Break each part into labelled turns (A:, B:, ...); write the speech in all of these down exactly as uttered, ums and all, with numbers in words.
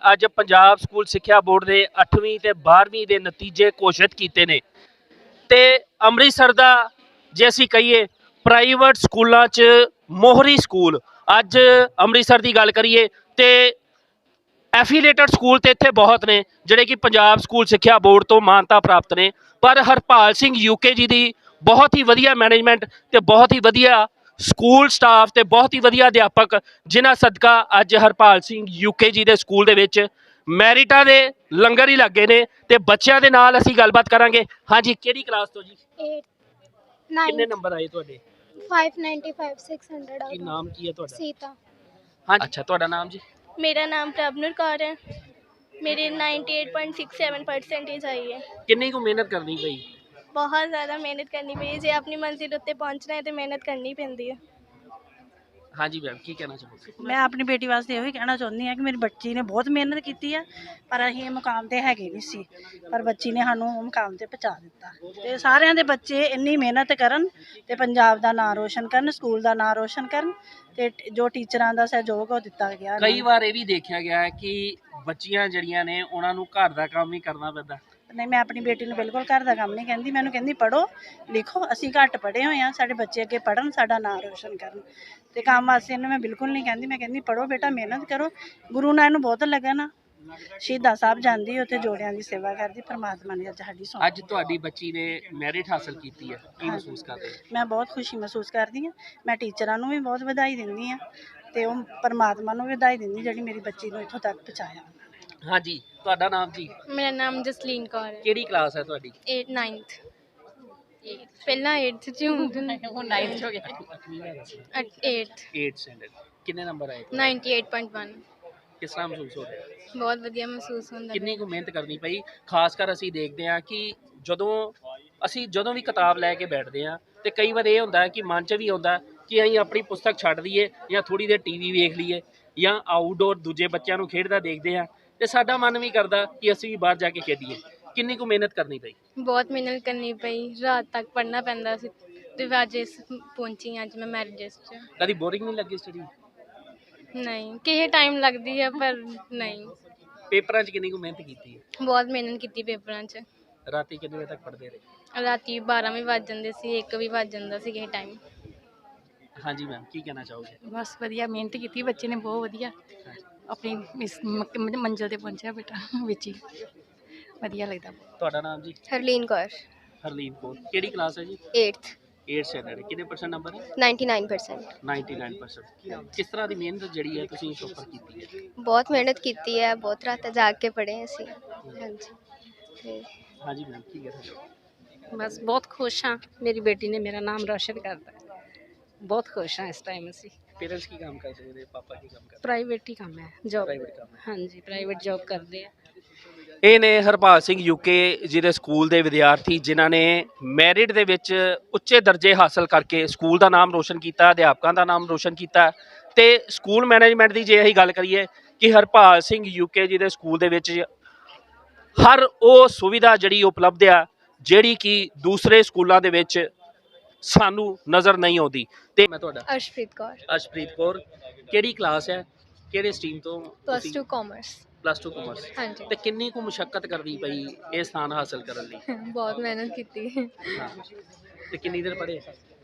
A: ਅੱਜ ਪੰਜਾਬ ਸਕੂਲ ਸਿੱਖਿਆ ਬੋਰਡ ਦੇ ਅੱਠਵੀਂ ਤੇ ਬਾਰ੍ਹਵੀਂ ਦੇ ਨਤੀਜੇ ਘੋਸ਼ਿਤ ਕੀਤੇ ਨੇ ਤੇ ਅੰਮ੍ਰਿਤਸਰ ਦਾ ਜੇ ਅਸੀਂ ਕਹੀਏ ਪ੍ਰਾਈਵੇਟ ਸਕੂਲਾਂ 'ਚ ਮੋਹਰੀ ਸਕੂਲ ਅੱਜ ਅੰਮ੍ਰਿਤਸਰ ਦੀ ਗੱਲ ਕਰੀਏ ਤੇ ਐਫੀਲੇਟਡ ਸਕੂਲ ਤੇ ਇੱਥੇ ਬਹੁਤ ਨੇ ਜਿਹੜੇ ਕਿ ਪੰਜਾਬ ਸਕੂਲ ਸਿੱਖਿਆ ਬੋਰਡ ਤੋਂ ਮਾਨਤਾ ਪ੍ਰਾਪਤ ਨੇ, ਪਰ ਹਰਪਾਲ ਸਿੰਘ ਯੂਕੇ ਜੀ ਦੀ ਬਹੁਤ ਹੀ ਵਧੀਆ ਮੈਨੇਜਮੈਂਟ ਤੇ ਬਹੁਤ ਹੀ ਵਧੀਆ ਸਕੂਲ ਸਟਾਫ ਤੇ ਬਹੁਤ ਹੀ ਵਧੀਆ ਅਧਿਆਪਕ ਜਿਨ੍ਹਾਂ ਸਦਕਾ ਅੱਜ ਹਰਪਾਲ ਸਿੰਘ ਯੂਕੇ ਜੀ ਦੇ ਸਕੂਲ ਦੇ ਵਿੱਚ ਮੈਰਿਟਾਂ ਦੇ ਲੰਗਰ ਹੀ ਲੱਗੇ ਨੇ ਤੇ ਬੱਚਿਆਂ ਦੇ ਨਾਲ ਅਸੀਂ ਗੱਲਬਾਤ ਕਰਾਂਗੇ। ਹਾਂਜੀ, ਕਿਹੜੀ ਕਲਾਸ ਤੋਂ ਜੀ?
B: eighth
A: ਕਿੰਨੇ ਨੰਬਰ ਆਏ ਤੁਹਾਡੇ?
B: five ninety-five six hundred
A: ਕੀ ਨਾਮ ਕੀ ਹੈ ਤੁਹਾਡਾ?
B: ਸੀਤਾ।
A: ਹਾਂ, ਅੱਛਾ, ਤੁਹਾਡਾ ਨਾਮ ਜੀ?
C: मेरा नाम प्रभनुर कौर है। मेरे अट्ठानवे पॉइंट सिक्स सेवन परसेंटेज आई है।
A: ਕਿੰਨੀ ਕੁ ਮਿਹਨਤ ਕਰਨੀ ਪਈ?
C: बहुत ज़्यादा मेहनत करनी पई जे अपनी मंजिल उत्ते पहुंचना है तो मेहनत करनी पैंदी है।
A: ਹਾਂਜੀ ਮੈਮ, ਕੀ ਕਹਿਣਾ ਚਾਹੋਗੇ?
D: ਮੈਂ ਆਪਣੀ ਬੇਟੀ ਵਾਸਤੇ ਇਹੋ ਹੀ ਕਹਿਣਾ ਚਾਹੁੰਦੀ ਹਾਂ ਕਿ ਮੇਰੀ ਬੱਚੀ ਨੇ ਬਹੁਤ ਮਿਹਨਤ ਕੀਤੀ ਹੈ, ਪਰ ਅਸੀਂ ਇਹ ਮੁਕਾਮ ਤੇ ਹੈਗੇ ਨਹੀਂ ਸੀ, ਪਰ ਬੱਚੀ ਨੇ ਸਾਨੂੰ ਉਹ ਮੁਕਾਮ ਤੇ ਪਹੁੰਚਾ ਦਿੱਤਾ। ਤੇ ਸਾਰਿਆਂ ਦੇ ਬੱਚੇ ਇੰਨੀ ਮਿਹਨਤ ਕਰਨ ਤੇ ਪੰਜਾਬ ਦਾ ਨਾਂ ਰੋਸ਼ਨ ਕਰਨ, ਸਕੂਲ ਦਾ ਨਾਂ ਰੋਸ਼ਨ ਕਰਨ ਤੇ ਜੋ ਟੀਚਰਾਂ ਦਾ ਸਹਿਯੋਗ ਉਹ ਦਿੱਤਾ ਗਿਆ।
A: ਕਈ ਵਾਰ ਇਹ ਵੀ ਦੇਖਿਆ ਗਿਆ ਹੈ ਕਿ ਬੱਚੀਆਂ ਜਿਹੜੀਆਂ ਨੇ ਉਹਨਾਂ ਨੂੰ ਘਰ ਦਾ ਕੰਮ ਹੀ ਕਰਨਾ ਪੈਂਦਾ।
D: ਨਹੀਂ, ਮੈਂ ਆਪਣੀ ਬੇਟੀ ਨੂੰ ਬਿਲਕੁਲ ਘਰ ਦਾ ਕੰਮ ਨਹੀਂ ਕਹਿੰਦੀ, ਮੈਨੂੰ ਕਹਿੰਦੀ ਪੜ੍ਹੋ ਲਿਖੋ, ਅਸੀਂ ਘੱਟ ਪੜ੍ਹੇ ਹੋਏ ਹਾਂ, ਸਾਡੇ ਬੱਚੇ ਅੱਗੇ ਪੜ੍ਹਨ, ਸਾਡਾ ਨਾਂ ਰੋਸ਼ਨ ਕਰਨ। ਤੇ ਕੰਮ ਵਾਸਤੇ ਇਹਨੂੰ ਮੈਂ ਬਿਲਕੁਲ ਨਹੀਂ ਕਹਿੰਦੀ, ਮੈਂ ਕਹਿੰਦੀ ਪੜ੍ਹੋ ਬੇਟਾ, ਮਿਹਨਤ ਕਰੋ। ਗੁਰੂ ਨਾਲ ਇਹਨੂੰ ਬਹੁਤ ਲੱਗਨ ਆ, ਸ਼ਹੀਦਾਂ ਸਾਹਿਬ ਜਾਂਦੀ, ਉੱਥੇ ਜੋੜਿਆਂ ਦੀ ਸੇਵਾ ਕਰਦੀ। ਪਰਮਾਤਮਾ ਨੇ ਅੱਜ ਸਾਡੀ ਸੁਣੀ।
A: ਅੱਜ ਤੁਹਾਡੀ ਬੱਚੀ ਨੇ ਮੈਰਿਟ ਹਾਸਲ ਕੀਤੀ ਹੈ, ਕੀ ਮਹਿਸੂਸ ਕਰਦੇ ਹੋ?
D: ਮੈਂ ਬਹੁਤ ਖੁਸ਼ੀ ਮਹਿਸੂਸ ਕਰਦੀ ਹਾਂ। ਮੈਂ ਟੀਚਰਾਂ ਨੂੰ ਵੀ ਬਹੁਤ ਵਧਾਈ ਦਿੰਦੀ ਹਾਂ ਤੇ ਉਹ ਪਰਮਾਤਮਾ ਨੂੰ ਵੀ ਵਧਾਈ ਦਿੰਦੀ ਜਿਹੜੀ ਮੇਰੀ ਬੱਚੀ ਨੂੰ ਇੱਥੋਂ ਤੱਕ ਪਹੁੰਚਾਇਆ।
A: ਹਾਂਜੀ, ਤੁਹਾਡਾ ਨਾਮ ਜੀ?
C: मेरा नाम जसलीन कौर है।
A: ਕਿਹੜੀ ਕਲਾਸ ਹੈ ਤੁਹਾਡੀ?
C: एट नाइन्थ पहला एट्थ च हूँ
D: ਨਾਈਨਥ ਹੋ ਗਿਆ।
C: Eighth
A: eighth standard. ਕਿੰਨੇ ਨੰਬਰ ਆਏ?
C: Ninety eight point one.
A: ਕਿਸ ਤਰ੍ਹਾਂ ਮਹਿਸੂਸ ਹੋ ਰਿਹਾ?
C: बहुत वधिया महसूस होंदा।
A: ਕਿੰਨੀ ਕੁ ਮਿਹਨਤ ਕਰਨੀ ਪਈ? ਖਾਸ ਕਰ ਅਸੀਂ ਦੇਖਦੇ ਹਾਂ ਕਿ ਜਦੋਂ ਅਸੀਂ ਜਦੋਂ ਵੀ ਕਿਤਾਬ ਲੈ ਕੇ ਬੈਠਦੇ ਹਾਂ ਤੇ ਕਈ ਵਾਰ ਇਹ ਹੁੰਦਾ ਕਿ ਮਨ 'ਚ ਵੀ ਆਉਂਦਾ ਕਿ ਅਸੀਂ ਆਪਣੀ ਪੁਸਤਕ ਛੱਡ ਦਈਏ ਜਾਂ ਥੋੜ੍ਹੀ ਦੇਰ ਟੀ ਵੀ ਵੇਖ ਲਈਏ ਜਾਂ ਆਊਟਡੋਰ ਦੂਜੇ ਬੱਚਿਆਂ ਨੂੰ ਖੇਡਦਾ ਦੇਖਦੇ ਹਾਂ ਤੇ ਸਾਡਾ ਮਨ ਵੀ ਕਰਦਾ ਕਿ ਅਸੀਂ ਵੀ ਬਾਹਰ ਜਾ ਕੇ ਖੇਡੀਏ। ਕਿੰਨੀ ਕੁ ਮਿਹਨਤ ਕਰਨੀ ਪਈ?
C: बहुत मेहनत करनी पई, रात तक पढ़ना पैंदा सी ते अज इस पहुंची अज मैं मैरिट लिस्ट च।
A: ਕਦੀ ਬੋਰਿੰਗ ਨਹੀਂ ਲੱਗੀ ਸਟੱਡੀ?
C: नहीं किसी टाइम लगती है पर नहीं,
A: ਪੇਪਰਾਂ 'ਚ ਕਿੰਨੀ ਕੁ ਮਿਹਨਤ ਕੀਤੀ ਹੈ?
C: बहुत मेहनत की पेपरां च।
A: ਰਾਤੀ ਕਿੰਨੇ ਵਜੇ ਤੱਕ ਪੜ੍ਹਦੇ ਰਹੇ?
C: राती बारह भी वज जाते सी, एक भी वज जाता सी किसी टाइम।
A: ਹਾਂਜੀ ਮੈਮ, ਕੀ ਕਹਿਣਾ ਚਾਹੋਗੇ?
E: ਬਸ ਵਧੀਆ ਮਿਹਨਤ ਕੀਤੀ ਬੱਚੇ ਨੇ, ਬਹੁਤ ਵਧੀਆ ਆਪਣੀ ਇਸ ਮ- ਮੰਜ਼ਿਲ ਤੇ ਪਹੁੰਚਿਆ ਬੇਟਾ ਵਿੱਚ ਹੀ, ਵਧੀਆ ਲੱਗਦਾ।
A: ਤੁਹਾਡਾ ਨਾਮ ਜੀ?
B: ਹਰਲੀਨ ਕੌਰ।
A: ਹਰਲੀਨ ਕੌਰ। ਕਿਹੜੀ ਕਲਾਸ ਹੈ ਜੀ?
B: eighth
A: eighth standard. ਕਿੰਨੇ ਪਰਸੈਂਟ ਨੰਬਰ ਹੈ?
B: ninety-nine percent।
A: ninety-nine percent। ਕਿਸ ਤਰ੍ਹਾਂ ਦੀ ਮਿਹਨਤ ਜਿਹੜੀ ਹੈ ਤੁਸੀਂ ਉੱਪਰ ਕੀਤੀ ਹੈ?
B: ਬਹੁਤ ਮਿਹਨਤ ਕੀਤੀ ਹੈ, ਬਹੁਤ ਰਾਤਾਂ ਜਾਗ ਕੇ ਪੜ੍ਹੇ ਅਸੀਂ। ਹਾਂਜੀ ਤੇ
A: ਹਾਂਜੀ ਮੈਮ, ਕੀ ਕਹਿਣਾ ਚਾਹੋਗੇ?
E: ਬਸ ਬਹੁਤ ਖੁਸ਼ ਹਾਂ, ਮੇਰੀ ਬੇਟੀ ਨੇ ਮੇਰਾ ਨਾਮ ਰੌਸ਼ਨ ਕਰਤਾ, ਬਹੁਤ ਖੁਸ਼ ਹਾਂ ਇਸ ਟਾਈਮ। ਅਸੀਂ
A: ਪੇਰੈਂਟਸ ਕੀ ਕੰਮ ਕਰਦੇ ਨੇ? ਪਾਪਾ ਕੀ ਕੰਮ ਕਰਦੇ?
E: ਪ੍ਰਾਈਵੇਟ ਹੀ ਕੰਮ ਹੈ, ਜੋਬ।
A: ਪ੍ਰਾਈਵੇਟ ਕੰਮ ਹੈ।
E: ਹਾਂਜੀ, ਪ੍ਰਾਈਵੇਟ ਜੋਬ ਕਰਦੇ ਆ।
A: ਇਹ ਨੇ ਹਰਪਾਲ ਸਿੰਘ ਯੂਕੇ ਜਿਹਦੇ ਸਕੂਲ ਦੇ ਵਿਦਿਆਰਥੀ ਜਿਨ੍ਹਾਂ ਨੇ ਮੈਰਿਟ ਦੇ ਵਿੱਚ ਉੱਚੇ ਦਰਜੇ ਹਾਸਲ ਕਰਕੇ ਸਕੂਲ ਦਾ ਨਾਮ ਰੋਸ਼ਨ ਕੀਤਾ, ਅਧਿਆਪਕਾਂ ਦਾ ਨਾਮ ਰੋਸ਼ਨ ਕੀਤਾ ਤੇ ਸਕੂਲ ਮੈਨੇਜਮੈਂਟ ਦੀ ਜੇ ਅਸੀਂ ਗੱਲ ਕਰੀਏ ਕਿ ਹਰਪਾਲ ਸਿੰਘ ਯੂਕੇ ਜੀ ਦੇ ਸਕੂਲ ਦੇ ਵਿੱਚ ਹਰ ਉਹ ਸੁਵਿਧਾ ਜਿਹੜੀ ਉਪਲਬਧ ਆ ਜਿਹੜੀ ਕਿ ਦੂਸਰੇ ਸਕੂਲਾਂ ਦੇ ਵਿੱਚ ਸਾਨੂੰ ਨਜ਼ਰ ਨਹੀਂ ਆਉਂਦੀ। ਤੇ ਮੈਂ ਤੁਹਾਡਾ?
B: ਅਰਸ਼ਪ੍ਰੀਤ ਕੌਰ।
A: ਅਰਸ਼ਪ੍ਰੀਤ ਕੌਰ। ਕਿਹੜੀ ਕਲਾਸ ਹੈ, ਕਿਹੜੇ ਸਟਰੀਮ ਤੋਂ?
B: Plus two commerce.
A: Plus two commerce.
B: ਹਾਂਜੀ।
A: ਤੇ ਕਿੰਨੀ ਕੁ ਮੁਸ਼ੱਕਤ ਕਰਨੀ ਪਈ ਇਹ ਸਥਾਨ ਹਾਸਲ ਕਰਨ ਲਈ?
B: ਬਹੁਤ ਮਿਹਨਤ ਕੀਤੀ,
A: ਹਾਂ। ਤੇ ਕਿੰਨੀ ਦੇਰ ਪੜ੍ਹੇ?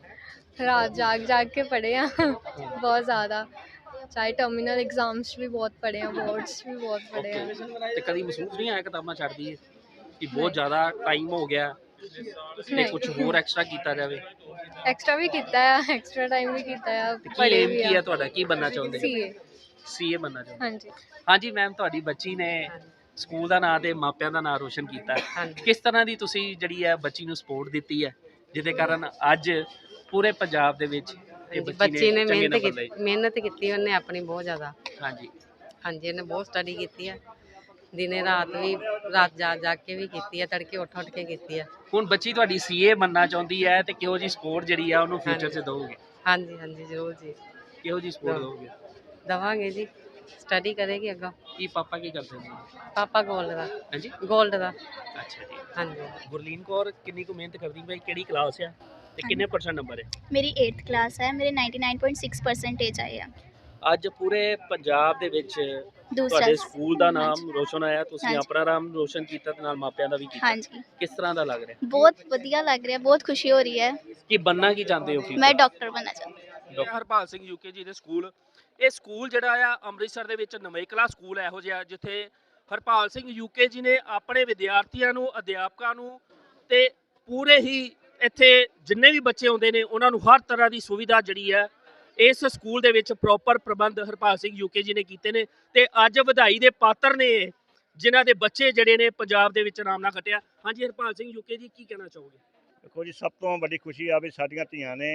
B: ਰਾਤ ਜਾਗ ਜਾਗ ਕੇ ਪੜ੍ਹੇ ਆ ਬਹੁਤ ਜ਼ਿਆਦਾ, ਚਾਹੇ ਟਰਮੀਨਲ ਐਗਜ਼ਾਮਸ ਵੀ ਬਹੁਤ ਪੜ੍ਹੇ ਆ, ਬੋਰਡਸ ਵੀ ਬਹੁਤ ਪੜ੍ਹੇ ਆ।
A: ਤੇ ਕਦੀ ਮਹਿਸੂਸ ਨਹੀਂ ਆਇਆ ਕਿਤਾਬਾਂ ਛੱਡ ਦਈਏ ਕਿ ਬਹੁਤ ਜ਼ਿਆਦਾ ਟਾਈਮ ਹੋ ਗਿਆ ਤੇ ਕੁਝ ਹੋਰ ਐਕਸਟਰਾ ਕੀਤਾ ਜਾਵੇ?
B: ਐਕਸਟਰਾ ਵੀ ਕੀਤਾ ਆ, ਐਕਸਟਰਾ ਟਾਈਮ ਵੀ ਕੀਤਾ ਆ,
A: ਤੇ ਕੀ
B: ਪੜ੍ਹੇ
A: ਏਮ
B: ਵੀ
A: ਕੀ ਹੈ
B: ਆ।
A: ਤੁਹਾਡਾ? ਕੀ ਬਣਨਾ ਚਾਹੁੰਦੇ?
B: ਸੀਏ।
A: ਸੀਏ ਬਣਨਾ ਚਾਹੁੰਦੇ?
B: ਹਾਂਜੀ।
A: ਹਾਂਜੀ ਮੈਮ, ਤੁਹਾਡੀ ਬੱਚੀ ਨੇ ਸਕੂਲ ਦਾ ਨਾਂ ਤੇ ਮਾਪਿਆਂ ਦਾ ਨਾਂ ਰੋਸ਼ਨ ਕੀਤਾ। ਕਿਸ ਤਰ੍ਹਾਂ ਦੀ ਤੁਸੀਂ ਜਿਹੜੀ ਹੈ ਬੱਚੀ ਨੂੰ ਸਪੋਰਟ ਦਿੱਤੀ ਹੈ ਜਿਹਦੇ ਕਾਰਨ ਅੱਜ ਪੂਰੇ ਪੰਜਾਬ ਦੇ ਵਿੱਚ ਇਹ
F: ਬੱਚੀ ਨੇ
A: ਚੰਗੇ
F: ਮਿਹਨਤ
A: ਨੰਬਰ
F: ਕੀਤੀ,
A: ਲਏ?
F: ਮਿਹਨਤ ਕੀਤੀ ਉਹਨੇ ਆਪਣੀ ਬਹੁਤ ਜ਼ਿਆਦਾ।
A: ਹਾਂਜੀ
F: ਹਾਂਜੀ, ਇਹਨੇ ਬਹੁਤ ਸਟੱਡੀ ਕੀਤੀ ਹੈ, ਦਿਨੇ ਰਾਤ ਵੀ, ਰਾਤ ਜਾ ਜਾ ਕੇ ਵੀ ਕੀਤੀ ਹੈ, ਤੜਕੇ ਉੱਠ ਉੱਠ ਕੇ ਕੀਤੀ ਹੈ।
A: ਹੁਣ ਬੱਚੀ ਤੁਹਾਡੀ ਸੀਏ ਬਣਨਾ ਚਾਹੁੰਦੀ ਹੈ ਤੇ ਕਿਹੋ ਜੀ ਸਪੋਰਟ ਜਿਹੜੀ ਆ ਉਹਨੂੰ ਫਿਊਚਰ 'ਚ ਦਿਓਗੇ?
F: ਹਾਂਜੀ ਹਾਂਜੀ, ਜ਼ਰੂਰ ਜੀ,
A: ਕਿਹੋ ਜੀ ਸਪੋਰਟ ਦਿਓਗੇ?
F: ਦੇਵਾਂਗੇ ਜੀ, ਸਟੱਡੀ ਕਰੇਗੀ ਅੱਗੋਂ।
A: ਕੀ ਪਾਪਾ ਕੀ ਕਰਦੇ ਨੇ?
F: ਪਾਪਾ ਗੋਲਡ ਦਾ।
A: ਹਾਂਜੀ,
F: ਗੋਲਡ ਦਾ।
A: ਅੱਛਾ ਜੀ।
F: ਹਾਂਜੀ।
A: ਗੁਰਲੀਨ ਕੌਰ ਕਿੰਨੀ ਕੁ ਮਿਹਨਤ ਕਰਦੀ ਭਾਈ? ਕਿਹੜੀ ਕਲਾਸ ਆ ਤੇ ਕਿੰਨੇ ਪਰਸੈਂਟ ਨੰਬਰ ਹੈ?
G: मेरी एट्थ क्लास है, मेरे ninety nine point six percentage आए हैं।
A: ਅੱਜ ਪੂਰੇ ਪੰਜਾਬ ਦੇ ਵਿੱਚ
G: ਦੂਸਰਾ
A: ਤੁਹਾਡੇ ਸਕੂਲ ਦਾ ਨਾਮ
G: ਹਾਂਜੀ।
A: ਰੋਸ਼ਨ ਹੋਇਆ, ਤੁਸੀਂ
G: ਹਾਂਜੀ।
A: ਆਪਣਾ ਨਾਮ ਰੋਸ਼ਨ ਕੀਤਾ ਤੇ ਨਾਲ ਮਾਪਿਆਂ ਦਾ ਵੀ ਕੀਤਾ।
G: ਹਾਂਜੀ
A: ਕਿਸ ਤਰ੍ਹਾਂ ਦਾ ਲੱਗ ਰਿਹਾ?
G: ਬਹੁਤ ਵਧੀਆ ਲੱਗ ਰਿਹਾ, ਬਹੁਤ ਖੁਸ਼ੀ ਹੋ ਰਹੀ ਹੈ।
A: ਕੀ ਬੰਨਾ ਕੀ ਚਾਹੁੰਦੇ ਹੋ?
G: ਮੈਂ ਡਾਕਟਰ ਬਣਨਾ ਚਾਹੁੰਦੀ ਹਾਂ।
A: ਡਾਕਟਰ ਹਰਪਾਲ ਸਿੰਘ ਯੂਕੇ ਜੀ ਦੇ ਸਕੂਲ, ਇਹ ਸਕੂਲ ਜਿਹੜਾ ਆ ਅੰਮ੍ਰਿਤਸਰ ਦੇ ਵਿੱਚ ਨਵੇਕਲਾ ਸਕੂਲ ਇਹੋ ਜਿਹਾ ਜਿੱਥੇ ਹਰਪਾਲ ਸਿੰਘ ਯੂਕੇ ਜੀ ਨੇ ਆਪਣੇ ਵਿਦਿਆਰਥੀਆਂ ਨੂੰ, ਅਧਿਆਪਕਾਂ ਨੂੰ ਤੇ ਪੂਰੇ ਹੀ ਇੱਥੇ ਜਿੰਨੇ ਵੀ ਬੱਚੇ ਆਉਂਦੇ ਨੇ ਉਹਨਾਂ ਨੂੰ ਹਰ ਤਰ੍ਹਾਂ ਦੀ ਸੁਵਿਧਾ ਜਿਹੜੀ ਹੈ ਇਸ ਸਕੂਲ ਦੇ ਵਿੱਚ ਪ੍ਰੋਪਰ ਪ੍ਰਬੰਧ ਹਰਪਾਲ ਸਿੰਘ ਯੂਕੇ ਜੀ ਨੇ ਕੀਤੇ ਨੇ ਤੇ ਅੱਜ ਵਧਾਈ ਦੇ ਪਾਤਰ ਨੇ ਇਹ, ਜਿਨ੍ਹਾਂ ਦੇ ਬੱਚੇ ਜਿਹੜੇ ਨੇ ਪੰਜਾਬ ਦੇ ਵਿੱਚ ਨਾਮ ਨਾ ਖੱਟਿਆ। ਹਾਂਜੀ ਹਰਪਾਲ ਸਿੰਘ ਯੂਕੇ ਜੀ, ਕੀ ਕਹਿਣਾ ਚਾਹੋਗੇ?
H: ਦੇਖੋ ਜੀ, ਸਭ ਤੋਂ ਵੱਡੀ ਖੁਸ਼ੀ ਆ ਵੀ ਸਾਡੀਆਂ ਧੀਆਂ ਨੇ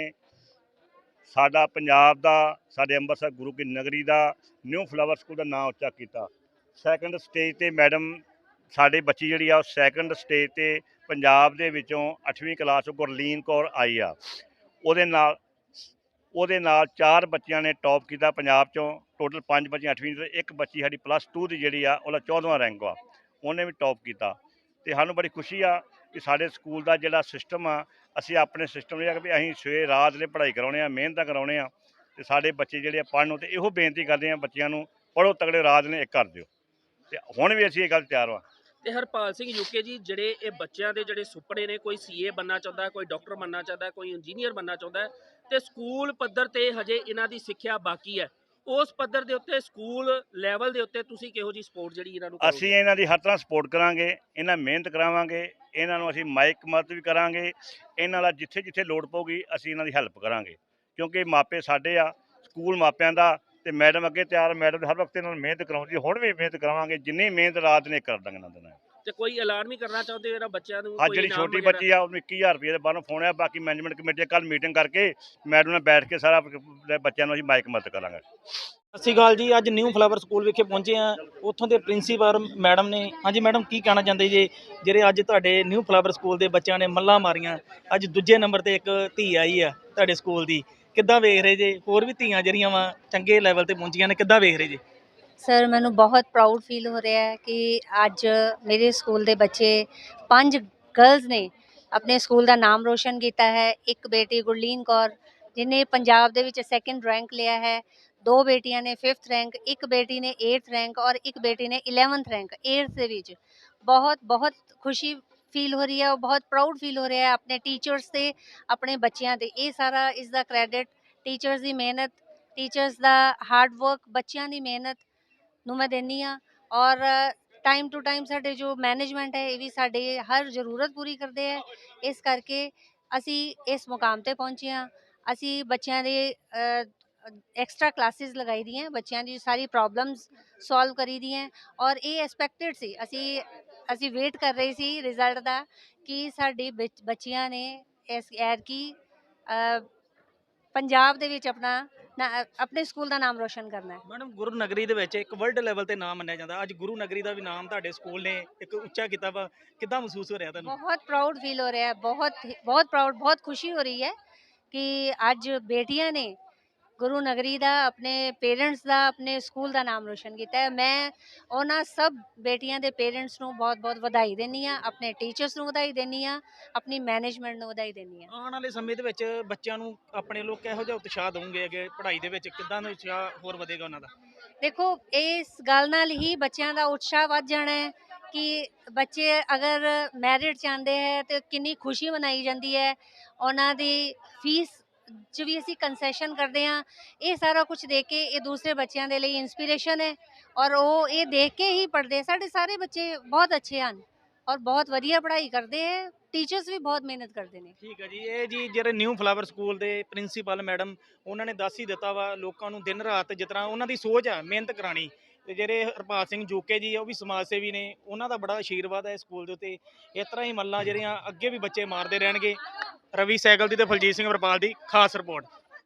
H: ਸਾਡਾ ਪੰਜਾਬ ਦਾ, ਸਾਡੇ ਅੰਮ੍ਰਿਤਸਰ ਗੁਰੂ ਕੀ ਨਗਰੀ ਦਾ ਨਿਊ ਫਲਾਵਰ ਸਕੂਲ ਦਾ ਨਾਮ ਉੱਚਾ ਕੀਤਾ। ਸੈਕੰਡ ਸਟੇਜ ਤੇ ਮੈਡਮ ਸਾਡੇ ਬੱਚੀ ਜਿਹੜੀ ਆ ਉਹ ਸੈਕੰਡ ਸਟੇਜ ਤੇ ਪੰਜਾਬ ਦੇ ਵਿੱਚੋਂ ਅੱਠਵੀਂ ਕਲਾਸ ਚੋਂ ਗੁਰਲੀਨ ਕੌਰ ਆਈ ਆ। ਉਹਦੇ ਨਾਲ ਉਹਦੇ ਨਾਲ ਚਾਰ ਬੱਚਿਆਂ ਨੇ ਟੌਪ ਕੀਤਾ ਪੰਜਾਬ ਚੋਂ। ਟੋਟਲ ਪੰਜ ਬੱਚੀਆਂ ਅੱਠਵੀਂ ਤੇ ਇੱਕ ਬੱਚੀ ਸਾਡੀ ਪਲੱਸ ਟੂ ਦੀ ਜਿਹੜੀ ਆ ਉਹਦਾ ਚੌਦਵਾਂ ਰੈਂਕ ਆ, ਉਹਨੇ ਵੀ ਟੌਪ ਕੀਤਾ। ਤੇ ਸਾਨੂੰ ਬੜੀ ਖੁਸ਼ੀ ਆ ਕਿ ਸਾਡੇ ਸਕੂਲ ਦਾ ਜਿਹੜਾ ਸਿਸਟਮ ਆ, ਅਸੀਂ ਆਪਣੇ ਸਿਸਟਮ ਇਹ ਆ ਵੀ ਅਸੀਂ ਸਵੇਰ ਰਾਤ ਨੇ ਪੜ੍ਹਾਈ ਕਰਾਉਣੇ ਆ, ਮਿਹਨਤਾਂ ਕਰਾਉਣੇ ਆ ਤੇ ਸਾਡੇ ਬੱਚੇ ਜਿਹੜੇ ਆ ਪੜ੍ਹਨ। ਤੇ ਇਹੋ ਬੇਨਤੀ ਕਰਦੇ ਆ ਬੱਚਿਆਂ ਨੂੰ, ਪੜ੍ਹੋ ਤਗੜੇ, ਰਾਤ ਨੇ ਇੱਕ ਕਰ ਦਿਓ। ਤੇ ਹੁਣ ਵੀ ਅਸੀਂ ਇਹ ਗੱਲ ਤਿਆਰ ਵਾ।
A: ਤੇ ਹਰਪਾਲ ਸਿੰਘ ਯੂਕੇ ਜੀ, ਜਿਹੜੇ ਇਹ ਬੱਚਿਆਂ ਦੇ ਜਿਹੜੇ ਸੁਪਨੇ ਨੇ, ਕੋਈ ਸੀਏ ਬਣਨਾ ਚਾਹੁੰਦਾ, ਕੋਈ ਡਾਕਟਰ ਬਣਨਾ ਚਾਹੁੰਦਾ, ਕੋਈ ਇੰਜੀਨੀਅਰ ਬਣਨਾ ਚਾਹੁੰਦਾ ਤੇ ਸਕੂਲ ਪੱਧਰ ਤੇ ਹਜੇ ਇਹਨਾਂ ਦੀ ਸਿੱਖਿਆ ਬਾਕੀ ਹੈ, ਉਸ ਪੱਧਰ ਦੇ ਉੱਤੇ ਸਕੂਲ ਲੈਵਲ ਦੇ ਉੱਤੇ ਤੁਸੀਂ ਕਿਹੋ ਜੀ ਸਪੋਰਟ ਜਿਹੜੀ ਇਹਨਾਂ ਨੂੰ ਕਰੋਗੇ?
H: ਅਸੀਂ ਇਹਨਾਂ ਦੀ ਹਰ ਤਰ੍ਹਾਂ ਸਪੋਰਟ ਕਰਾਂਗੇ, ਇਹਨਾਂ ਮਿਹਨਤ ਕਰਾਵਾਂਗੇ, ਇਹਨਾਂ ਨੂੰ ਅਸੀਂ ਮਾਈਕ ਮਦਦ ਵੀ ਕਰਾਂਗੇ, ਇਹਨਾਂ ਦਾ ਜਿੱਥੇ ਜਿੱਥੇ ਲੋੜ ਪਊਗੀ ਅਸੀਂ ਇਹਨਾਂ ਦੀ ਹੈਲਪ ਕਰਾਂਗੇ, ਕਿਉਂਕਿ ਮਾਪੇ ਸਾਡੇ ਆ, ਸਕੂਲ ਮਾਪਿਆਂ ਦਾ। ਤੇ ਮੈਡਮ ਅੱਗੇ ਤਿਆਰ, ਮੈਡਮ ਹਰ ਵਕਤ ਇਹਨਾਂ ਨੂੰ ਮਿਹਨਤ ਕਰਾਉਂਦੀ, ਹੁਣ ਵੀ ਮਿਹਨਤ ਕਰਾਵਾਂਗੇ, ਜਿੰਨੀ ਮਿਹਨਤ ਰਾਤ ਨੇ ਕਰ ਦਾਂਗੇ ਇਹਨਾਂ ਦੇ ਨਾਲ।
A: ਤੇ ਕੋਈ ਐਲਾਨ ਵੀ ਕਰਨਾ ਚਾਹੁੰਦੇ ਹੋ ਇਹਨਾਂ ਬੱਚਿਆਂ ਨੂੰ?
H: ਅੱਜ
A: ਕੋਈ
H: ਜਿਹੜੀ
A: ਇਨਾਮ
H: ਛੋਟੀ
A: ਵਗੈਰਾ?
H: ਬੱਚੀ ਆ ਉਹਨੂੰ ਇੱਕੀ ਹਜ਼ਾਰ ਰੁਪਏ ਦੇ ਬਾਹਰੋਂ ਫੋਨ ਆ। ਬਾਕੀ ਮੈਨੇਜਮੈਂਟ ਕਮੇਟੀ ਕੱਲ ਮੀਟਿੰਗ ਕਰਕੇ ਮੈਡਮ ਨਾਲ ਬੈਠ ਕੇ ਸਾਰਾ ਬੱਚਿਆਂ ਨੂੰ ਅਸੀਂ ਮਾਈਕ ਮਦਦ ਕਰਾਂਗੇ।
I: ਸਤਿ ਸ਼੍ਰੀ ਅਕਾਲ ਜੀ। ਅੱਜ ਨਿਊ ਫਲਾਵਰ ਸਕੂਲ ਵਿਖੇ ਪਹੁੰਚੇ ਆ, ਉੱਥੋਂ ਦੇ ਪ੍ਰਿੰਸੀਪਲ ਮੈਡਮ ਨੇ। ਹਾਂਜੀ ਮੈਡਮ, ਕੀ ਕਹਿਣਾ ਚਾਹੁੰਦੇ ਜੀ ਜਿਹੜੇ ਅੱਜ ਤੁਹਾਡੇ ਨਿਊ ਫਲਾਵਰ ਸਕੂਲ ਦੇ ਬੱਚਿਆਂ ਨੇ ਮੱਲਾਂ ਮਾਰੀਆਂ? ਅੱਜ ਦੂਜੇ ਨੰਬਰ ਤੇ ਇੱਕ ਧੀ ਆਈ ਆ ਤੁਹਾਡੇ ਸਕੂਲ ਦੀ, ਕਿੱਦਾਂ ਵੇਖ ਰਹੇ ਜੇ? ਹੋਰ ਵੀ ਧੀਆਂ ਜਿਹੜੀਆਂ ਵਾ ਚੰਗੇ ਲੈਵਲ ਤੇ ਪਹੁੰਚੀਆਂ ਨੇ, ਕਿੱਦਾਂ ਵੇਖ ਰਹੇ ਜੇ?
J: ਸਰ, ਮੈਨੂੰ ਬਹੁਤ ਪ੍ਰਾਊਡ ਫੀਲ ਹੋ ਰਿਹਾ ਹੈ ਕਿ ਅੱਜ ਮੇਰੇ ਸਕੂਲ ਦੇ ਬੱਚੇ ਪੰਜ ਗਰਲਸ ਨੇ ਆਪਣੇ ਸਕੂਲ ਦਾ ਨਾਮ ਰੋਸ਼ਨ ਕੀਤਾ ਹੈ। ਇੱਕ ਬੇਟੀ ਗੁਰਲੀਨ ਕੌਰ ਜਿਹਨੇ ਪੰਜਾਬ ਦੇ ਵਿੱਚ ਸੈਕਿੰਡ ਰੈਂਕ ਲਿਆ ਹੈ, ਦੋ ਬੇਟੀਆਂ ਨੇ ਫਿਫਥ ਰੈਂਕ, ਇੱਕ ਬੇਟੀ ਨੇ ਏਟਥ ਰੈਂਕ ਔਰ ਇੱਕ ਬੇਟੀ ਨੇ ਇਲੈਵਨਥ ਰੈਂਕ ਏਟਥ ਦੇ ਵਿੱਚ। ਬਹੁਤ ਬਹੁਤ ਖੁਸ਼ੀ ਫੀਲ ਹੋ ਰਹੀ ਹੈ, ਉਹ ਬਹੁਤ ਪ੍ਰਾਊਡ ਫੀਲ ਹੋ ਰਿਹਾ ਹੈ ਆਪਣੇ ਟੀਚਰਸ ਤੇ, ਆਪਣੇ ਬੱਚਿਆਂ ਤੇ। ਇਹ ਸਾਰਾ ਇਸ ਦਾ ਕ੍ਰੈਡਿਟ ਟੀਚਰਸ ਦੀ ਮਿਹਨਤ, ਟੀਚਰਸ ਦਾ ਹਾਰਡ ਵਰਕ, ਬੱਚਿਆਂ ਦੀ ਮਿਹਨਤ ਨੂੰ ਮੈਂ ਦਿੰਦੀ ਹਾਂ। ਔਰ ਟਾਈਮ ਟੂ ਟਾਈਮ ਸਾਡੇ ਜੋ ਮੈਨੇਜਮੈਂਟ ਹੈ ਇਹ ਵੀ ਸਾਡੇ ਹਰ ਜ਼ਰੂਰਤ ਪੂਰੀ ਕਰਦੇ ਹੈ, ਇਸ ਕਰਕੇ ਅਸੀਂ ਇਸ ਮੁਕਾਮ ਤੇ ਪਹੁੰਚੇ ਹਾਂ। ਅਸੀਂ ਬੱਚਿਆਂ ਦੇ ਐਕਸਟਰਾ ਕਲਾਸਿਸ ਲਗਾਈ ਦੀਆਂ, ਬੱਚਿਆਂ ਦੀ ਸਾਰੀ ਪ੍ਰੋਬਲਮਸ ਸੋਲਵ ਕਰੀ ਦੀਆਂ ਔਰ ਇਹ ਐਕਸਪੈਕਟਡ ਸੀ। ਅਸੀਂ ਅਸੀਂ ਵੇਟ ਕਰ ਰਹੇ ਸੀ ਰਿਜ਼ਲਟ ਦਾ ਕਿ ਸਾਡੀ ਬੱਚ- ਬੱਚੀਆਂ ਨੇ ਇਸ ਐਰ ਕੀ ਪੰਜਾਬ ਦੇ ਵਿੱਚ ਆਪਣਾ ਨਾ- ਆਪਣੇ ਸਕੂਲ ਦਾ ਨਾਮ ਰੋਸ਼ਨ ਕਰਨਾ ਹੈ।
I: ਮੈਡਮ, ਗੁਰੂ ਨਗਰੀ ਦੇ ਵਿੱਚ ਇੱਕ ਵਰਲਡ ਲੈਵਲ ਤੇ ਨਾਮ ਮੰਨਿਆ ਜਾਂਦਾ, ਅੱਜ ਗੁਰੂ ਨਗਰੀ ਦਾ ਵੀ ਨਾਮ ਤੁਹਾਡੇ ਸਕੂਲ ਨੇ ਇੱਕ ਉੱਚਾ ਕੀਤਾ ਵਾ, ਕਿੱਦਾਂ ਮਹਿਸੂਸ ਹੋ ਰਿਹਾ ਤੁਹਾਨੂੰ?
J: ਬਹੁਤ ਪ੍ਰਾਊਡ ਫੀਲ ਹੋ ਰਿਹਾ ਹੈ, ਬਹੁਤ ਹੀ- ਬਹੁਤ ਪ੍ਰਾਊਡ, ਬਹੁਤ ਖੁਸ਼ੀ ਹੋ ਰਹੀ ਹੈ ਕਿ ਅੱਜ ਬੇਟੀਆਂ ਨੇ ਗੁਰੂ ਨਗਰੀ ਦਾ, ਆਪਣੇ ਪੇਰੈਂਟਸ ਦਾ, ਆਪਣੇ ਸਕੂਲ ਦਾ ਨਾਮ ਰੋਸ਼ਨ ਕੀਤਾ ਹੈ। ਮੈਂ ਉਹਨਾਂ ਸਭ ਬੇਟੀਆਂ ਦੇ ਪੇਰੈਂਟਸ ਨੂੰ ਬਹੁਤ ਬਹੁਤ ਵਧਾਈ ਦਿੰਦੀ ਹਾਂ, ਆਪਣੇ ਟੀਚਰਸ ਨੂੰ ਵਧਾਈ ਦਿੰਦੀ ਹਾਂ, ਆਪਣੀ ਮੈਨੇਜਮੈਂਟ ਨੂੰ ਵਧਾਈ ਦਿੰਦੀ ਹਾਂ।
I: ਆਉਣ ਵਾਲੇ ਸਮੇਂ ਦੇ ਵਿੱਚ ਬੱਚਿਆਂ ਨੂੰ ਆਪਣੇ ਲੋਕ ਕਿਹੋ ਜਿਹਾ ਉਤਸ਼ਾਹ ਦੇਵੋਗੇ ਅੱਗੇ ਪੜ੍ਹਾਈ ਦੇ ਵਿੱਚ? ਕਿੱਦਾਂ ਦਾ ਉਤਸ਼ਾਹ ਹੋਰ ਵਧੇਗਾ ਉਹਨਾਂ ਦਾ?
J: ਦੇਖੋ, ਇਸ ਗੱਲ ਨਾਲ ਹੀ ਬੱਚਿਆਂ ਦਾ ਉਤਸ਼ਾਹ ਵੱਧ ਜਾਣਾ ਹੈ ਕਿ ਬੱਚੇ ਅਗਰ ਮੈਰਿਟ ਚਾਹੁੰਦੇ ਹੈ ਤੇ ਕਿੰਨੀ ਖੁਸ਼ੀ ਮਨਾਈ ਜਾਂਦੀ ਹੈ। ਉਹਨਾਂ ਦੀ ਫੀਸ 'ਚ ਵੀ ਅਸੀਂ ਕੰਸੈਸ਼ਨ ਕਰਦੇ ਹਾਂ। ਇਹ ਸਾਰਾ ਕੁਝ ਦੇਖ ਕੇ ਇਹ ਦੂਸਰੇ ਬੱਚਿਆਂ ਦੇ ਲਈ ਇੰਸਪੀਰੇਸ਼ਨ ਹੈ ਔਰ ਉਹ ਇਹ ਦੇਖ ਕੇ ਹੀ ਪੜ੍ਹਦੇ। ਸਾਡੇ ਸਾਰੇ ਬੱਚੇ ਬਹੁਤ ਅੱਛੇ ਹਨ ਔਰ ਬਹੁਤ ਵਧੀਆ ਪੜ੍ਹਾਈ ਕਰਦੇ ਹੈ, ਟੀਚਰਸ ਵੀ ਬਹੁਤ ਮਿਹਨਤ ਕਰਦੇ ਨੇ।
I: ਠੀਕ ਹੈ ਜੀ। ਇਹ ਜੀ ਜਿਹੜੇ ਨਿਊ ਫਲਾਵਰ ਸਕੂਲ ਦੇ ਪ੍ਰਿੰਸੀਪਲ ਮੈਡਮ, ਉਹਨਾਂ ਨੇ ਦੱਸ ਹੀ ਦਿੱਤਾ ਵਾ ਲੋਕਾਂ ਨੂੰ ਦਿਨ ਰਾਤ ਜਿਸ ਤਰ੍ਹਾਂ ਉਹਨਾਂ ਦੀ ਸੋਚ ਆ ਮਿਹਨਤ ਕਰਾਣੀ। ਤੇ ਜਿਹੜੇ ਹਰਪਾਲ ਸਿੰਘ ਜੋਕੇ ਜੀ ਆ ਉਹ ਵੀ ਸਮਾਜ ਸੇਵੀ ਨੇ, ਉਹਨਾਂ ਦਾ ਬੜਾ ਆਸ਼ੀਰਵਾਦ ਹੈ ਸਕੂਲ ਦੇ ਉੱਤੇ। ਇਸ ਤਰ੍ਹਾਂ ਹੀ ਮੱਲਾਂ ਜਿਹੜੀਆਂ ਅੱਗੇ ਵੀ ਬੱਚੇ ਮਾਰਦੇ ਰਹਿਣਗੇ। ਰਵੀ ਸੈਗਲ ਦੀ ਤੇ ਫਲਜੀਤ ਸਿੰਘ ਵਰਪਾਲ ਦੀ ਖਾਸ ਰਿਪੋਰਟ।